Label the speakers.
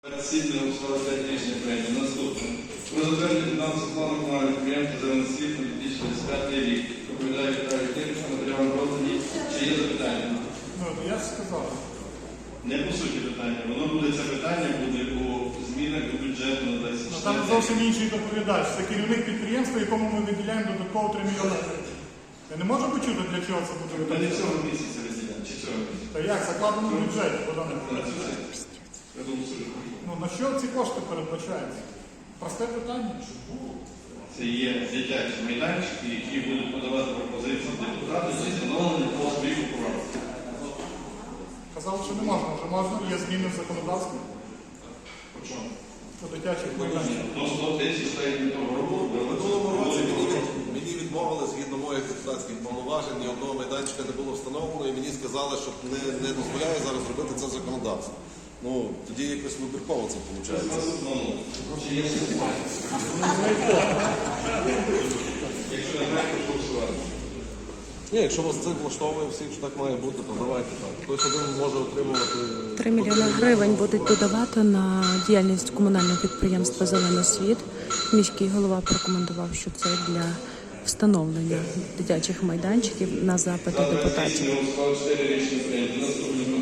Speaker 1: Сідне обслуговувати рішення прийняття. Наступне. Про затвердження фінансового плану комунального підприємства «Зелений світ» на 2025 рік. Доповідає Віталій Тимченко, матеріал роздані. Чи є запитання?
Speaker 2: Ну, я ж сказав.
Speaker 1: Не по суті питання. Воно буде, це питання буде у змінах до бюджету на 2024.
Speaker 2: Ну, там зовсім інший доповідач. Це керівник підприємства, якому ми виділяємо додатково 3 мільйони гривень. Я не можу почути, для чого це буде
Speaker 1: Ми не
Speaker 2: виділяти.
Speaker 1: цього місяця розділяємо. Чи цього місяця?
Speaker 2: Та як? Закладено в бюджеті, Богдане.
Speaker 1: Я думаю, що
Speaker 2: Ну, на що ці кошти передбачаються? Просте питання.
Speaker 1: це є дитячі майданчики, які будуть подавати пропозиції депутатів за встановлення по своїх правах.
Speaker 2: Казали, що не можна. Вже можна. Є зміни в законодавстві.
Speaker 1: По чому?
Speaker 2: По дитячих майданчиках.
Speaker 1: До 100 тисяч та й від того року.
Speaker 3: Минулого року мені відмовили згідно моїх депутатських повноважень, ні одного майданчика не було встановлено, і мені сказали, що не дозволяє зараз робити це законодавство. Ну, тоді якось вибірково це виходить.
Speaker 1: Якщо не маєте, то голосувати.
Speaker 3: Ні, якщо вас це влаштовує всіх, що так має бути, то давайте так. Хтось один може отримувати...
Speaker 4: 3 мільйони гривень будуть додавати на діяльність комунального підприємства «Зелений світ». Міський голова порекомендував, що це для встановлення дитячих майданчиків на запити депутатів.
Speaker 1: Рішення 4 рішення прийняті. Наступне.